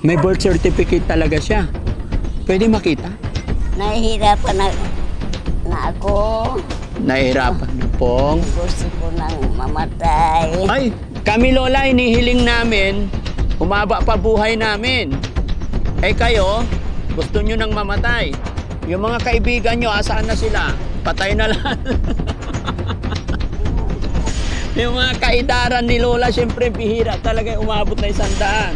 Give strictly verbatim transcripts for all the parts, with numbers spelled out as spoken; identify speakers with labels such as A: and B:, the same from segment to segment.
A: May birth certificate talaga siya. Pwede makita?
B: Nahihirapan na, na ako.
A: Nahihirapan na pong.
B: Gusto ko nang mamatay.
A: Ay, kami lola, inihiling namin, humaba pa buhay namin. Eh kayo, gusto nyo nang mamatay. Yung mga kaibigan nyo, asaan na sila? Patay na lang. Yung mga kaidaran ni lola, syempre bihira talaga yung umabot na isang daan.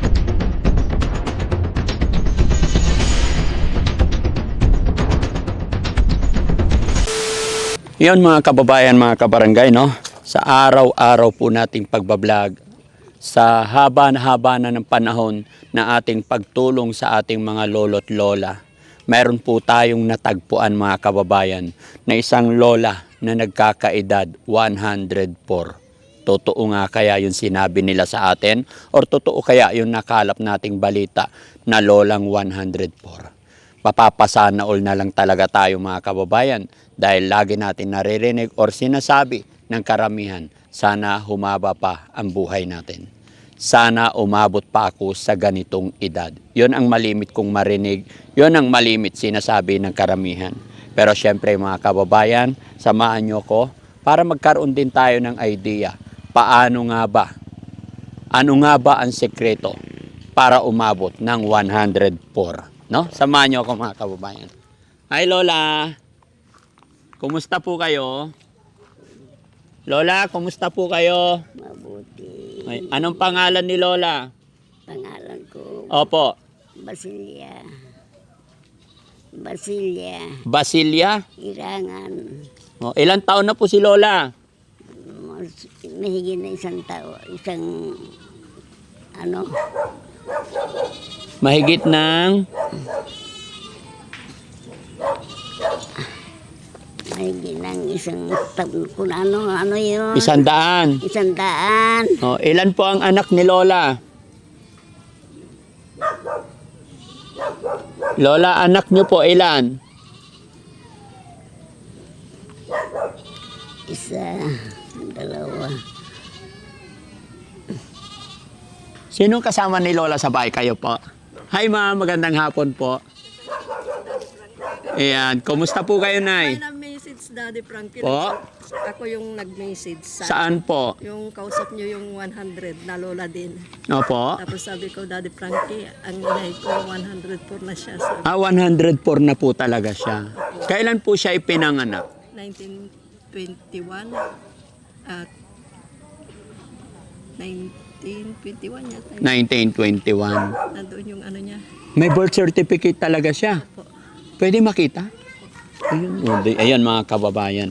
A: Yun mga kababayan, mga kabarangay, no? Sa araw-araw po nating pagbablog, sa haba na haba na ng panahon na ating pagtulong sa ating mga lolo't lola, mayroon po tayong natagpuan mga kababayan na isang lola na nagkakaedad one hundred four. Totoo nga kaya yung sinabi nila sa atin? Or totoo kaya yung nakalap nating balita na lolang one hundred four? Papapasana all na lang talaga tayo mga kababayan dahil lagi natin naririnig or sinasabi ng karamihan, sana humaba pa ang buhay natin. Sana umabot pa ako sa ganitong edad. Yon ang malimit kong marinig, yon ang malimit sinasabi ng karamihan. Pero syempre mga kababayan, samahan nyo ko para magkaroon din tayo ng idea. Paano nga ba? Ano nga ba ang sekreto para umabot ng one hundred four? No? Samahan nyo ako mga kababayan. Hi Lola! Kumusta po kayo? Lola, kumusta po kayo?
B: Mabuti.
A: Ay, anong pangalan ni Lola?
B: Pangalan ko,
A: Opo.
B: Basilia. Basilia.
A: Basilia?
B: Irangan.
A: O, ilang taon na po si Lola?
B: Mas- Mahigit na isang tao. Isang, ano,
A: Mahigit ng
B: mahigit ng isang taon. Kung ano, ano yun?
A: isang daan.
B: Isang daan.
A: O, ilan po ang anak ni Lola? Lola, anak niyo po ilan?
B: Isa, dalawa.
A: Sinong kasama ni Lola sa bahay? Kayo po? Hi ma'am, magandang hapon po. Ayan, kumusta po kayo, Nay?
C: Ay, na-message Daddy Frankie.
A: Po?
C: Ako yung nag-message. Sa,
A: Saan po?
C: Yung kausap nyo yung one hundred na lola din.
A: Opo.
C: Tapos sabi ko, Daddy Frankie, ang inay ko one hundred four na siya. Sabi,
A: Ah, one hundred four na po talaga siya. Kailan po siya ipinanganak?
C: nineteen twenty-one at nineteen twenty-one yata. yun.
A: nineteen twenty-one.
C: Nandoon yung ano niya.
A: May birth certificate talaga siya.
C: Po.
A: Pwede makita? Ayun, oh, di- ayan mga kababayan.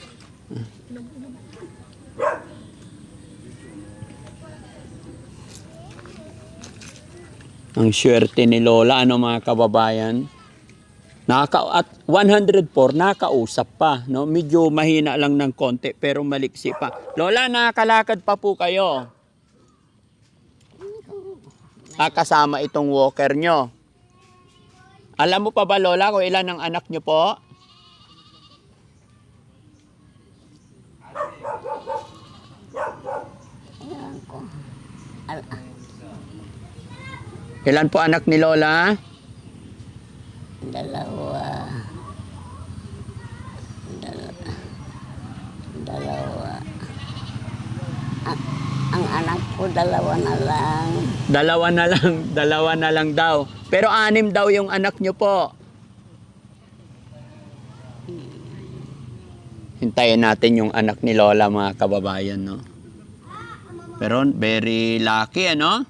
A: Ang swerte ni Lola, ano mga kababayan? Naka, at one hundred four, nakausap pa. No? Medyo mahina lang ng konti, pero maliksi pa. Lola, nakakalakad pa po kayo. Ah, kasama itong walker nyo. Alam mo pa ba, Lola, kung ilan ang anak nyo po?
B: Ayan ko. Al-
A: Ilan po anak ni Lola?
B: dalawa. Dalawa. Dalawa. A- ang anak ko, dalawa na lang.
A: Dalawa na lang, dalawa na lang daw. Pero anim daw yung anak nyo po. Hintayin natin yung anak ni Lola, mga kababayan, no? Pero very lucky, ano?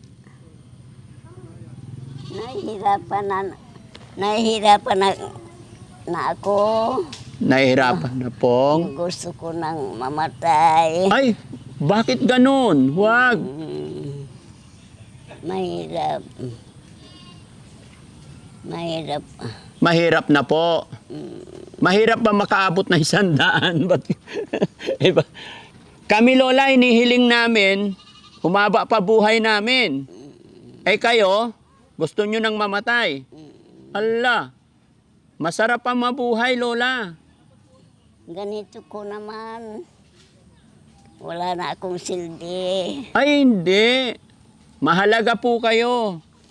B: Nahihirapan na, nahihirapan na, na ako.
A: Nahihirapan na pong.
B: Gusto ko nang mamatay.
A: Ay, bakit ganun? Huwag.
B: Mm. Mahirap. Mahirap.
A: Mahirap na po. Mahirap ba makaabot na isang daan? Ba't- Iba? Kami Lola, inihiling namin, humaba pa buhay namin. Eh kayo, gusto nyo nang mamatay. Ala, masarap pa mabuhay Lola.
B: Ganito ko naman. Wala na akong silbi.
A: Ay hindi, mahalaga po kayo.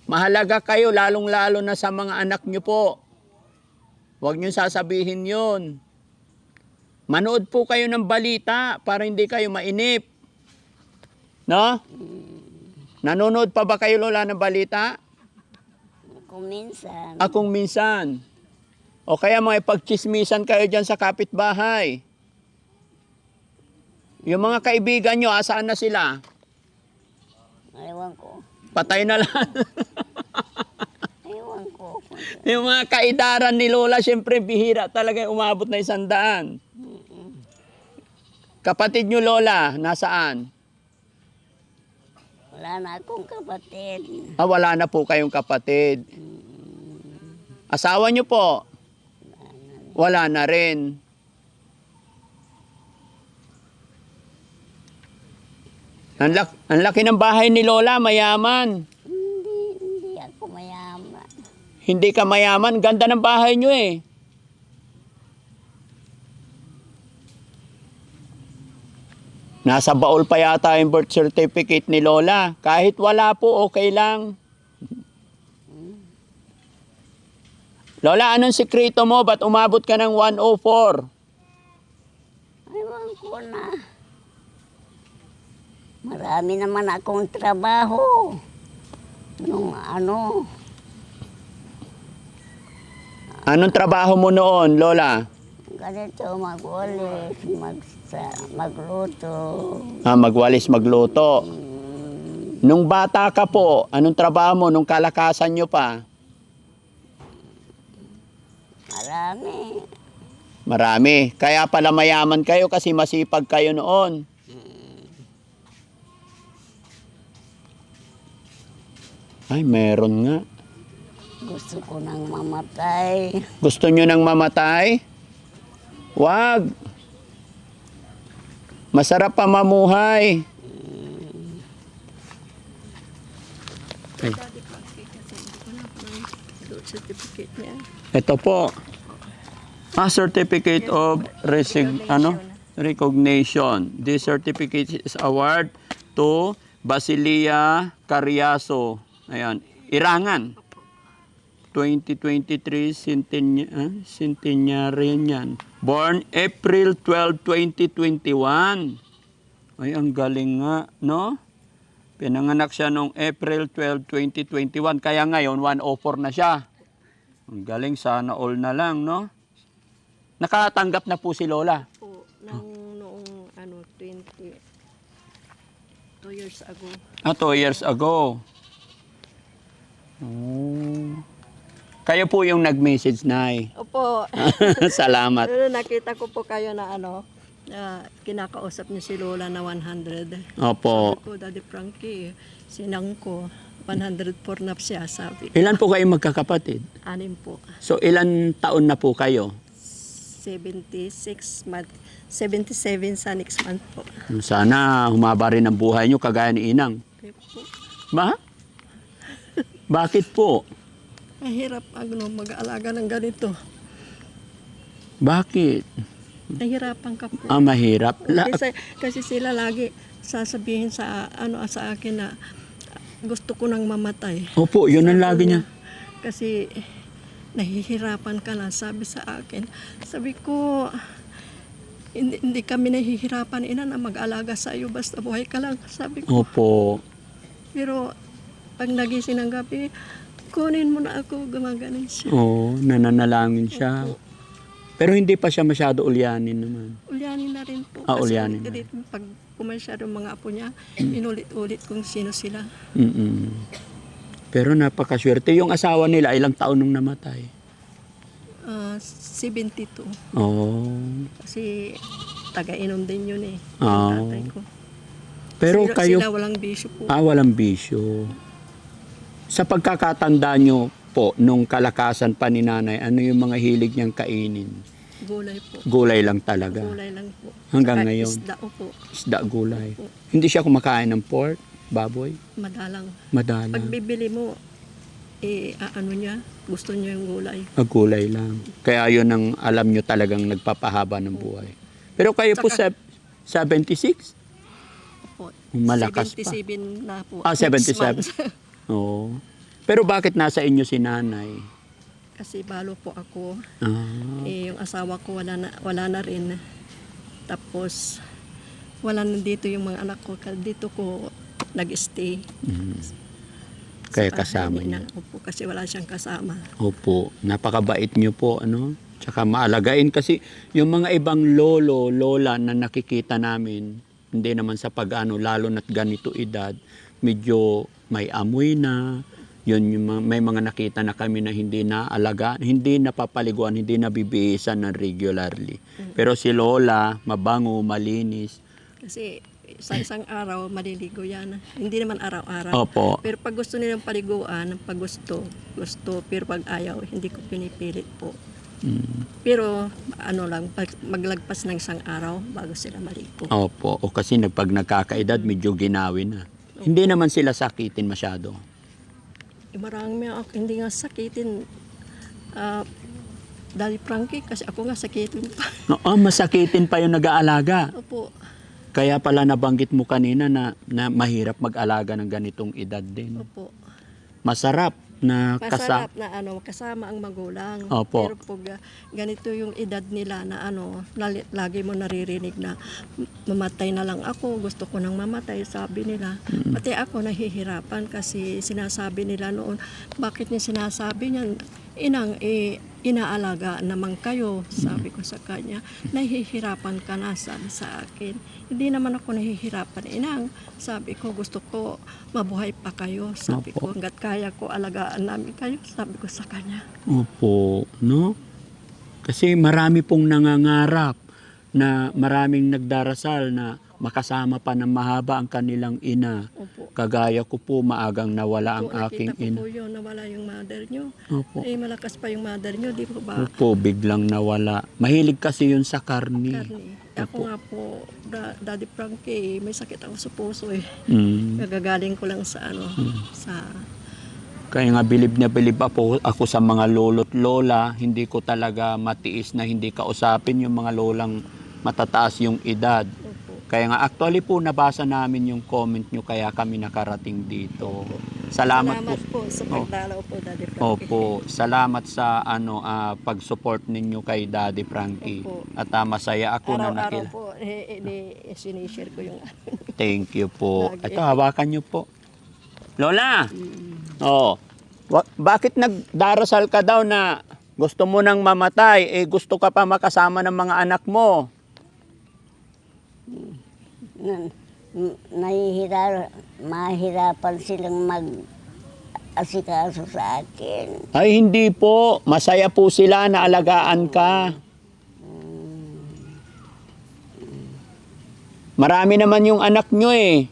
A: Mahalaga kayo, lalong-lalo na sa mga anak nyo po. Huwag nyo sasabihin yun. Manood po kayo ng balita para hindi kayo mainip. No? Nanonood pa ba kayo, Lola, ng balita?
B: Kung minsan.
A: Akong minsan. O kaya mga pagchismisan kayo dyan sa kapitbahay. Yung mga kaibigan nyo, asaan na sila?
B: Ewan ko.
A: Patay na lang.
B: Ewan ko.
A: Yung mga kaidaran ni Lola, syempre bihira talaga yung umabot na isang daan. Kapatid nyo, Lola, nasaan?
B: Wala na akong kapatid.
A: Ah, wala na po kayong kapatid. Asawa nyo po? Wala na rin. Ang, lak- ang laki ng bahay ni Lola, mayaman.
B: Hindi, hindi ako mayaman.
A: Hindi ka mayaman, ganda ng bahay nyo eh. Nasa baul pa yata yung birth certificate ni Lola. Kahit wala po, okay lang. Lola, anong sikreto mo? Ba't umabot ka ng one oh four?
B: Ewan ko na. Marami naman akong trabaho. Nung ano,
A: Anong trabaho mo noon, Lola?
B: ganito mag-ulis, mag magluto.
A: Ah, magwalis, magluto. Nung bata ka po, anong trabaho mo nung kalakasan nyo pa?
B: Marami.
A: Marami. Kaya pala mayaman kayo kasi masipag kayo noon. Ay, meron nga.
B: Gusto ko nang mamatay.
A: Gusto nyo nang mamatay? Wag. Masarap pa mamuhay. Ay,
C: Daddy Frankie kasi hindi ko na po ng birth certificate niya.
A: ito po. Ah, certificate of resig ano? Recognition. This certificate is award to Basilia Cariaso. Ayan, Irangan. twenty twenty-three centenary, ah, centenarian yan. Born April twelfth, twenty twenty-one. Ay, ang galing nga, no? Pinanganak siya noong April twelfth, twenty twenty-one. Kaya ngayon, one oh four na siya. Ang galing, sana all na lang, no? Nakatanggap na po si Lola.
C: Po, nang noong ano, twenty, two years ago.
A: Ah, two years ago. Oh. Kayo po yung nag-message, Nay.
C: Opo.
A: Salamat.
C: Pero nakita ko po kayo na ano, na kinakausap niyo si Lola na one hundred.
A: Opo.
C: Sabi ko, Daddy Frankie, sinang ko, one hundred four na siya, sabi.
A: Ilan po kayo magkakapatid?
C: Anim po.
A: So, ilan taon na po kayo?
C: seventy-six month, seventy-seven sa next month po.
A: Sana humaba rin ang buhay nyo kagaya ni Inang.
C: Okay po.
A: Ba? Bakit po?
C: Mahirap ano, mag-aalaga ng ganito.
A: Bakit?
C: Nahirapan ka po.
A: Ah, mahirap. La-
C: Kasi, kasi sila lagi sasabihin sa ano sa akin na gusto ko nang mamatay.
A: Opo, yun ang lagi niya.
C: Kasi nahihirapan ka na, sabi sa akin. Sabi ko, hindi, hindi kami nahihirapan, ina, na mag-alaga sa iyo, basta buhay ka lang. Sabi ko,
A: Opo.
C: pero pag nagising ng gabi, kunin mo na ako, gumaganin siya.
A: Oo, nananalangin siya. Pero hindi pa siya masyado ulyanin naman.
C: Ulyanin na rin po.
A: Ah,
C: Kasi
A: ulyanin na.
C: ulit-ulit, pag pumasyado mga apo niya, inulit-ulit kung sino sila.
A: Mm-mm. Pero napakaswerte. Yung asawa nila, ilang taon nung namatay?
C: Ah, seventy-two.
A: Oo.
C: Kasi taga-inom din yun eh.
A: Ah.
C: Yung tatay ko.
A: Pero
C: sila,
A: kayo,
C: Sila walang bisyo po.
A: ah, walang bisyo. Sa pagkakatanda nyo po, nung kalakasan pa ni nanay, ano yung mga hilig niyang kainin?
C: Gulay po.
A: Gulay lang talaga.
C: Gulay lang po.
A: Hanggang
C: Saka
A: ngayon?
C: Isda po.
A: Isda, gulay.
C: Opo.
A: Hindi siya kumakain ng pork, baboy,
C: Madalang.
A: madalang.
C: Pag bibili mo, eh, ah, ano niya, gusto niya yung gulay.
A: Ah, gulay lang. Kaya yun ang alam nyo talagang nagpapahaba ng buhay. Pero kayo po sa
C: Saka-
A: seventy-six?
C: Po.
A: Malakas pa.
C: seventy-seven na po.
A: Ah,
C: Next
A: seventy-seven.
C: month.
A: Oo. Pero bakit nasa inyo si nanay?
C: Kasi balo po ako.
A: Ah,
C: Eh, yung asawa ko wala na, wala na rin. Tapos, wala na dito yung mga anak ko. Kaya dito ko nag-stay.
A: mm. Kaya
C: Sa bahay
A: kasama
C: ni
A: niya.
C: inang ko po kasi wala siyang kasama.
A: Opo, napakabait niyo po, ano? Tsaka maalagain kasi yung mga ibang lolo, lola na nakikita namin, hindi naman sa pag-ano, lalo na't ganito edad, medyo may amoy na, yun yung mga, may mga nakita na kami na hindi naalaga, hindi napapaliguan, hindi nabibihisan ng regularly. Pero si lola, mabango, malinis.
C: Kasi sa isang araw, maliligo yan. Hindi naman araw-araw.
A: Opo.
C: Pero pag gusto nilang paliguan, pag gusto, gusto. Pero pag ayaw, hindi ko pinipilit po.
A: Mm.
C: Pero ano lang, pag maglagpas ng isang araw bago sila maligo.
A: Opo, o kasi nag- pag nagkakaedad, medyo ginawi na. Hindi naman sila sakitin masyado.
C: Eh, marami ako, hindi nga sakitin. Ah, Daddy Frankie, kasi ako nga sakitin pa.
A: Oo, masakitin pa yung nag-aalaga.
C: Opo.
A: Kaya pala nabanggit mo kanina na, na mahirap mag-alaga ng ganitong edad din.
C: Opo.
A: Masarap na kasa...
C: Masarap na ano, kasama ang magulang.
A: Opo.
C: Pero pag ah, ganito yung edad nila na ano, lali- lagi mo naririnig na "M- mamatay na lang ako, gusto ko nang mamatay," sabi nila. Pati ako nahihirapan kasi sinasabi nila noon, bakit niya sinasabi niyan? Inang, eh, inaalaga naman kayo, sabi ko sa kanya. Nahihirapan ka na, sabi sa akin. Hindi naman ako nahihirapan, inang. Sabi ko, gusto ko mabuhay pa kayo. Sabi
A: Opo.
C: ko, hanggat kaya ko, alagaan namin kayo, sabi ko sa kanya.
A: Opo, no? Kasi marami pong nangangarap na maraming nagdarasal na makasama pa ng mahaba ang kanilang ina.
C: Opo.
A: Kagaya ko po, maagang nawala ang
C: Opo,
A: aking
C: nakita ko
A: ina.
C: po yun, nawala yung mother nyo.
A: Opo.
C: Eh, malakas pa yung mother nyo, di po ba?
A: Opo, biglang nawala. Mahilig kasi yun sa karni.
C: Karni. Ako nga po, da, Daddy Frankie, may sakit ako sa puso eh.
A: Mm.
C: Nagagaling ko lang sa ano, sa...
A: Kaya nga bilib na bilib ako, ako sa mga lolo't lola, hindi ko talaga matiis na hindi kausapin yung mga lolang matataas yung edad.
C: Opo.
A: Kaya nga actually po nabasa namin yung comment nyo kaya kami nakarating dito. Salamat,
C: Salamat
A: po.
C: po sa pagdalaw po, Daddy Frankie.
A: Opo, salamat sa ano ah, pag-support ninyo kay Daddy Frankie.
C: Opo.
A: At ah, masaya ako na
C: Araw-araw
A: nakil.
C: po, eh, eh, eh, sinishare ko yung
A: Thank you po.
C: Lagi.
A: Ito, hawakan nyo po. Lola! Oh, wa- bakit nagdarasal ka daw na gusto mo nang mamatay? Eh, gusto ka pa makasama ng mga anak mo.
B: Na, n- nahihira, mahirapan silang mag asikaso sa akin.
A: Ay, hindi po. Masaya po sila na alagaan ka. Marami naman yung anak nyo eh.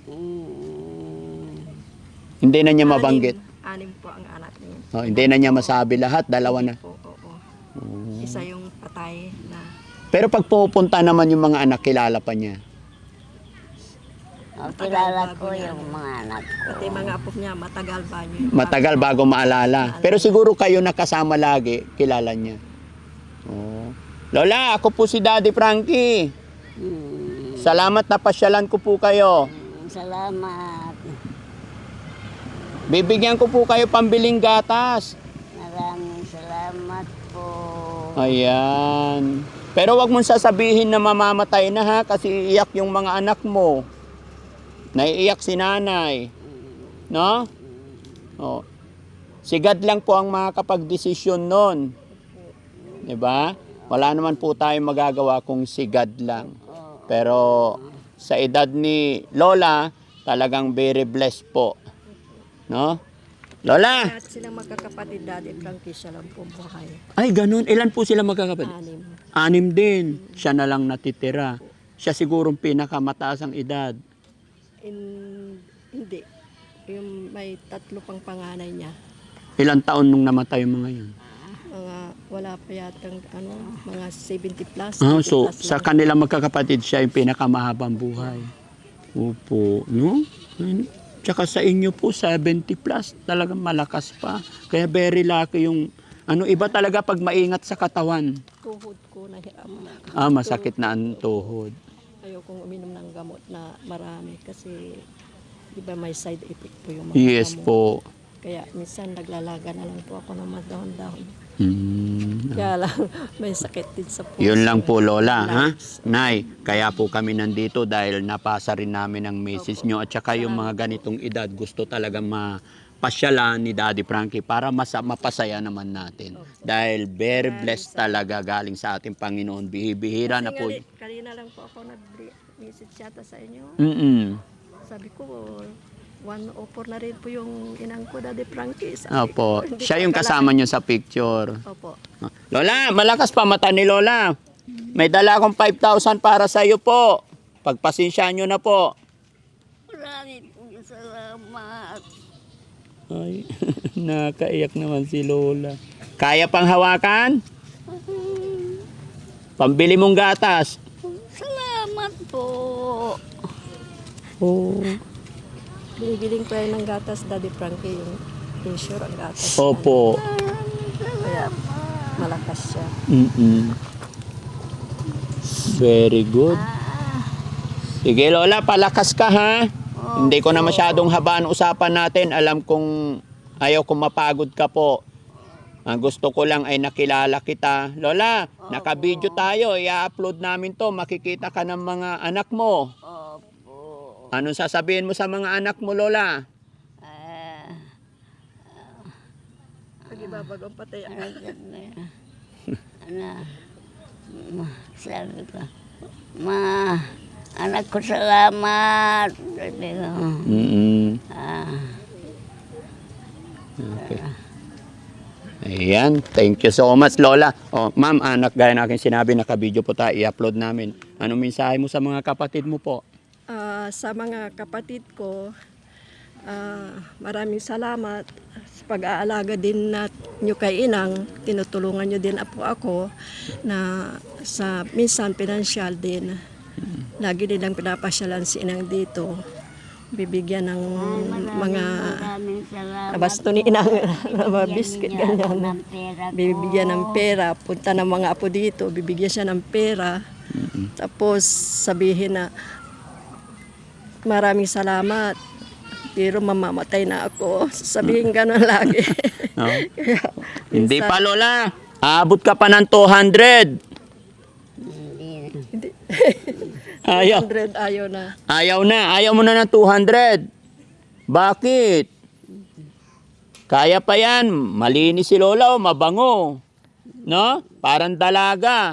A: Hindi na niya mabanggit.
C: Anim, anim po ang anak niya.
A: Oh, hindi na niya masabi lahat. Dalawa na.
C: Po, oo. Isa yung patay na.
A: Pero pag pumupunta naman yung mga anak, kilala pa niya.
B: O, kilala ko yung mga anak ko.
C: Pati mga apo niya, matagal ba niyo?
A: Matagal bago maalala. Pero siguro kayo nakasama lagi, kilala niya. Oh. Lola, ako po si Daddy Frankie.
B: Hmm,
A: Salamat na pasyalan ko po kayo.
B: salamat.
A: Bibigyan ko po kayo pambiling gatas.
B: Maraming salamat po.
A: Ayan. Pero wag mong sasabihin na mamamatay na ha, kasi iiyak yung mga anak mo. Naiiyak si nanay. No? Oh. Si God lang po ang makakapag-desisyon nun. Diba? Wala naman po tayong magagawa kung si God lang. Pero sa edad ni Lola, talagang very blessed po. No? Lola!
C: Lahat silang magkakapatid, Daddy Frankie, siya lang po buhay.
A: Ay, ganun. Ilan po sila magkakapatid?
C: Anim.
A: Anim din. Siya na lang natitira. Siya sigurong pinakamataas ang edad.
C: In, hindi. Yung may tatlo pang panganay niya.
A: Ilang taon nung namatay yung mga yun?
C: Mga wala pa yatang ano, mga seventy plus.
A: Ah,
C: eighty
A: so,
C: plus
A: sa
C: lang.
A: kanila magkakapatid, siya yung pinakamahabang buhay. Opo. No? Ayun. Tsaka sa inyo po, seventy plus. Talagang malakas pa. Kaya very lucky yung... Ano, iba talaga pag maingat sa katawan.
C: Tuhod ko, nahirapan ako.
A: Ah, masakit na ang tuhod.
C: Ayokong uminom ng gamot na marami kasi di ba may side effect po yung mga
A: Yes
C: gamot.
A: po.
C: Kaya minsan naglalaga na lang po ako ng madahon-dahon.
A: Mm.
C: Kaya lang may sakit din sa puso.
A: Yun lang po, Lola. Ha?
C: Lights.
A: Nay, kaya po kami nandito dahil napasa rin namin ang message nyo at saka yung mga ganitong edad gusto talaga mapasyalan ni Daddy Frankie para mas mapasaya naman natin. Dahil very blessed talaga galing sa ating Panginoon. Bihibihira na
C: Kasi
A: po.
C: nga, kanina lang po ako nag-message yata sa inyo.
A: Mm-mm.
C: Sabi ko, one oh four na rin po yung inang ko, Daddy Frankie. Sabi
A: Opo.
C: ko, hindi
A: Siya
C: ko
A: yung
C: akala-
A: kasama nyo sa picture.
C: Opo.
A: Lola, malakas pa mata ni Lola. May dala akong five thousand para sa iyo po. Pagpasensyaan nyo na po.
B: Maraming salamat.
A: Ay, nakaiyak naman si Lola. Kaya pang hawakan? Pambili mong gatas.
B: Salamat po.
A: Oh.
C: Binibiling ko yan ng gatas, Daddy Frankie, yung insure ang gatas.
A: Opo.
C: Kaya malakas siya.
A: Mm-mm. Very good. Sige Lola, palakas ka ha. Hindi ko na masyadong habaan usapan natin. Alam kong ayaw kong mapagod ka po. Ang gusto ko lang ay nakilala kita. Lola, naka-video tayo. I-upload namin to. Makikita ka ng mga anak mo.
B: Opo.
A: Anong sasabihin mo sa mga anak mo, Lola?
B: Ah,
C: Pag ibabagong patay ang
B: ano, ma, sabi ko, ma, anak ko salamat. Sabi ko,
A: Mm-mm.
B: ah,
A: Okay. Ayan, thank you so much, Lola. Oh, ma'am, anak, gaya na aking sinabi, naka-video po tayo, i-upload namin. Anong mensahe mo sa mga kapatid mo po?
C: Ah, sa mga kapatid ko, ah, maraming salamat sa pag-aalaga din nat nyo kay Inang. Tinutulungan nyo din po ako na sa minsan pinansyal din. Lagi nilang pinapasyalan si Inang dito. Bibigyan ng mga
B: maraming salamat.
C: nabasto ni Inang na mga biscuit
B: Bigyan niyo ako
C: ganyan.
B: ng pera ko.
C: Bibigyan ng pera. Punta ng mga apo dito, bibigyan siya ng pera. Tapos sabihin na maraming salamat. Pero mamamatay na ako. Sabihin gano'n lagi.
A: No?
C: Kaya,
A: Hindi
C: minsan-
A: pa, Lola. Abot ka pa ng two hundred.
B: Hindi.
C: Hindi.
A: Ayaw.
C: one hundred ayaw na.
A: Ayaw na. Ayaw mo na ng two hundred. Bakit? Kaya pa yan. Malinis si Lola o mabango. No? Parang dalaga.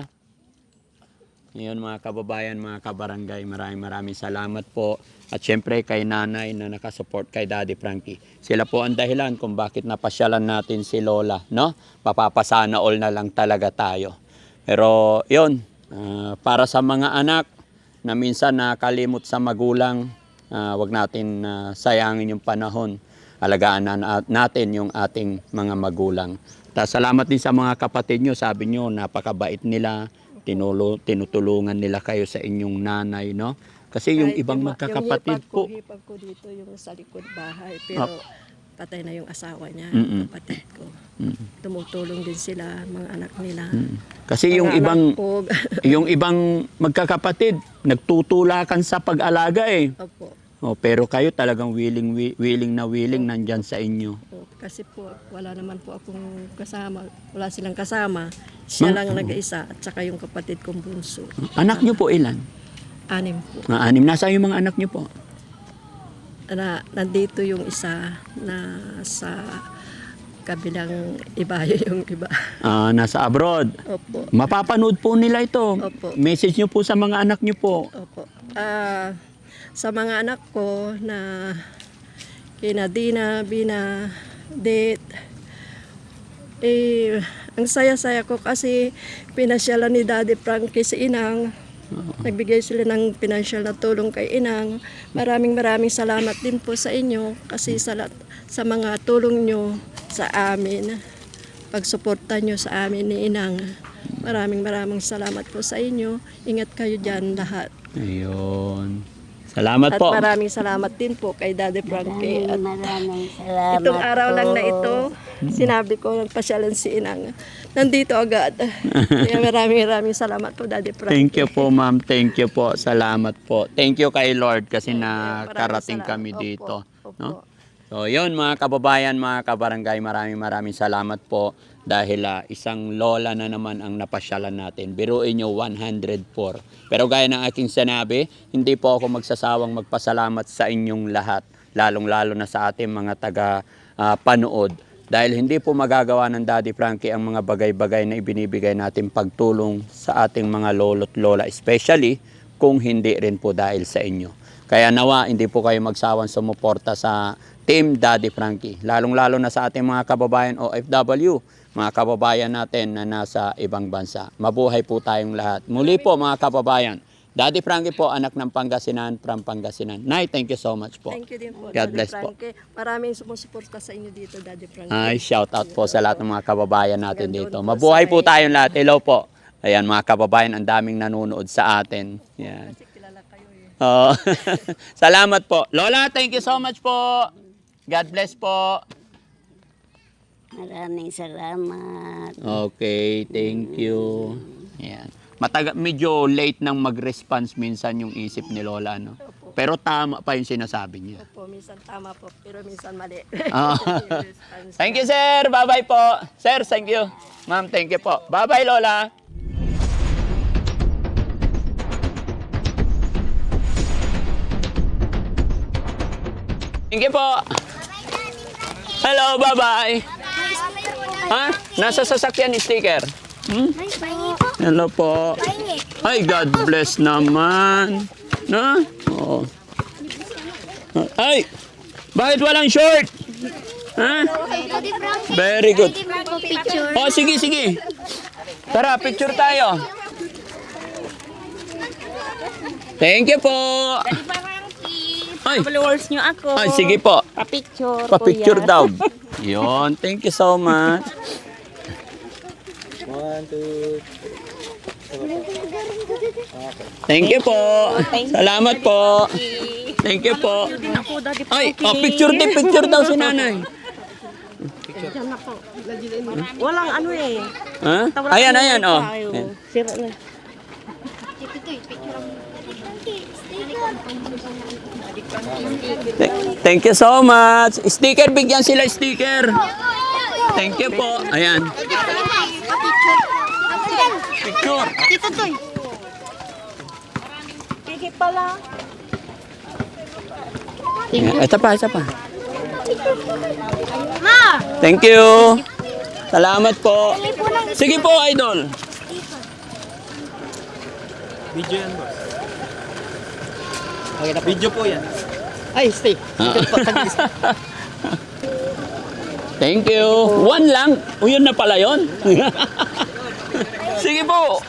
A: Ngayon mga kababayan, mga kabarangay, maraming maraming salamat po. At syempre kay nanay na nakasupport kay Daddy Frankie. Sila po ang dahilan kung bakit napasyalan natin si Lola. No? Papapasana all na lang talaga tayo. Pero yun, ah, para sa mga anak na minsan nakalimot sa magulang, ah, wag natin ah, sayangin yung panahon. Alagaan na na- natin yung ating mga magulang. Ta salamat din sa mga kapatid nyo. Sabi nyo, napakabait nila. Tinulo, tinutulungan nila kayo sa inyong nanay, no? Kasi yung
C: Kahit
A: ibang
C: yung-
A: magkakapatid
C: yung
A: po.
C: hipag ko, hipag ko dito yung sa likod bahay. Pero patay na yung asawa niya,
A: Mm-mm.
C: kapatid ko.
A: Mm.
C: Tumutulong din sila, mga anak nila.
A: Mm. Kasi yung
C: Mga
A: ibang
C: anak ko,
A: yung ibang magkakapatid nagtutulakan sa pag-alaga eh.
C: opo.
A: Oh, pero kayo talagang willing wi- willing na willing nandyan sa inyo.
C: Oh, kasi po, wala naman po akong kasama. Wala silang kasama. Siya
A: Ma-
C: lang nag-isa at saka yung kapatid kong bunso.
A: Anak nyo po ilan?
C: Anim po.
A: Mga anim. Nasaan yung mga anak nyo po?
C: Na, nandito yung isa na sa kabilang ibayo yung iba.
A: Ah, nasa abroad.
C: Opo.
A: Mapapanood po nila ito.
C: Opo.
A: Message nyo po sa mga anak nyo po.
C: Opo. Ah, sa mga anak ko na kina Dina, Bina, Det, eh, ang saya-saya ko kasi pinasyalan ni Daddy Frankie si Inang. Nagbigay sila ng pinansyal na tulong kay Inang. Maraming maraming salamat din po sa inyo kasi sa, lat- sa mga tulong nyo sa amin. Pagsuporta nyo sa amin ni Inang. Maraming maraming salamat po sa inyo. Ingat kayo dyan lahat.
A: Ayun. Salamat
C: At
A: po.
C: maraming salamat din po kay Daddy Frankie. At
B: Maraming salamat
C: itong araw lang na
B: po.
C: ito, sinabi ko nagpasyalan si Inang. Nandito agad. Kaya maraming maraming salamat po Daddy Frankie.
A: Thank you po, ma'am. Thank you po. Salamat po. Thank you kay Lord kasi
C: Maraming
A: nakarating
C: salamat.
A: kami
C: Opo,
A: dito.
C: opo.
A: No? So yun mga kababayan, mga kabarangay, maraming maraming salamat po dahil ah, isang lola na naman ang napasyalan natin. Biruin nyo one hundred four. Pero gaya ng aking sinabi, hindi po ako magsasawang magpasalamat sa inyong lahat, lalong-lalo na sa ating mga taga ah, panood. Dahil hindi po magagawa ng Daddy Frankie ang mga bagay-bagay na ibinibigay natin pagtulong sa ating mga lolo't lola, especially kung hindi rin po dahil sa inyo. Kaya nawa, hindi po kayo magsawang sumuporta sa Team Daddy Frankie. Lalong-lalo na sa ating mga kababayan O F W, mga kababayan natin na nasa ibang bansa. Mabuhay po tayong lahat. Muli po mga kababayan, Daddy Frankie po, anak ng Pangasinan, from Pangasinan. Nay, thank you so much po.
C: Thank you din po,
A: God
C: Daddy
A: bless po.
C: Frankie. Maraming sumusuporta sa inyo dito, Daddy Frankie.
A: Ay, shout out po sa lahat ng mga kababayan natin
C: Hanggang
A: dito.
C: doon po
A: Mabuhay
C: sa
A: po
C: may-
A: tayong lahat. Hello po. Ayan mga kababayan, ang daming nanonood sa atin. Yan.
C: Kasi kilala kayo eh.
A: Oo. Salamat po. Lola, thank you so much po. God bless po.
B: Maraming salamat.
A: Okay, thank you. Ayan. Mataga, medyo late nang mag-response minsan yung isip ni Lola, no? Pero tama pa yung sinasabi niya.
C: Opo, minsan tama po, pero minsan mali.
A: Ah.
C: Yung response
A: Thank
C: niya.
A: you, sir. Bye-bye po. Sir, thank you. Ma'am, thank you po. Bye-bye, Lola. Thank you po. Hello, bye-bye. Ha? Nasa sasakyan ni sticker. Hmm? Hello po. Ay, God bless naman. Na? Oo. Ay, bakit walang short? Ha? Very good.
D: Picture.
A: Oh, sige, sige. Tara, picture tayo. Thank you po. Ay,
D: Followers nyo ako.
A: ay sige po.
D: Pa-picture.
A: Pa-picture
D: kuya.
A: daw. Yon, thank you so much. Thank you po. Salamat po. Thank you po.
D: Din ako, Daddy
A: Ay,
D: Frankie.
A: oh, picture din, picture daw si nanay.
D: Diyan ako. Walang ano eh.
A: Ha?
D: Tawag
A: Ayan,
D: ako
A: ayan,
D: ng
A: oh.
D: tayo.
A: Ayan.
D: Sira na.
A: Th- Thank you so much. Sticker, bigyan sila sticker. Thank you po. Ayan. Picture.
D: Dito to. Kiki pala.
A: Ayan. Ito pa, ito pa.
D: Ma!
A: Thank you. Salamat po. Sige po, idol.
E: Video yan, boss. Okay na po. Video po yan.
F: Ay, stay.
A: Thank you. One lang. O, yun na pala yun. Sige po.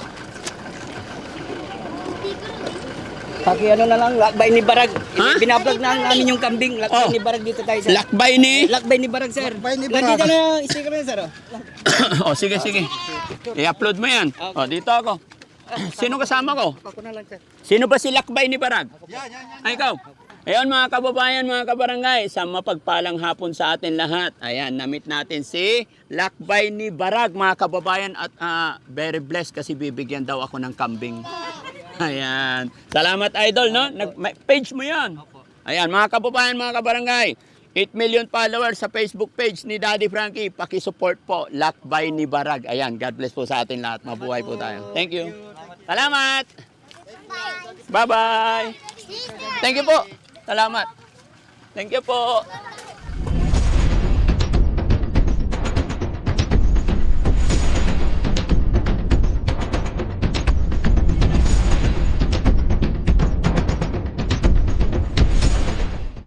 F: Paki ano na lang, lakbay ni Barag.
A: Ha?
F: Binablog na namin yung kambing. Lakbay
A: Oh.
F: ni Barag dito tayo, sir.
A: Lakbay ni.
F: Lakbay ni Barag, sir. Lakbay ni Barag. Nandito na yung sticker na yun, sir. oh.
A: O, sige, sige. I-upload mo yan. O, dito ako. Sino kasama ko?
F: Ako na lang, sir.
A: Sino ba si Lakbay ni Barag? Ay, ikaw. Ayun mga kababayan, mga kabarangay, sa mapagpalang hapon sa atin lahat. Ayan, namit natin si Lakbay ni Barag, mga kababayan. At ah, very blessed kasi bibigyan daw ako ng kambing. Ayan. Salamat, idol, no? Nag, may- page mo yan. Ayan, mga kababayan, mga kabarangay. eight million followers sa Facebook page ni Daddy Frankie. Pakisupport po, Lakbay ni Barag. Ayan, God bless po sa atin lahat. Mabuhay po tayo. Thank you. Salamat. Bye-bye. Thank you po. Salamat. Thank you po.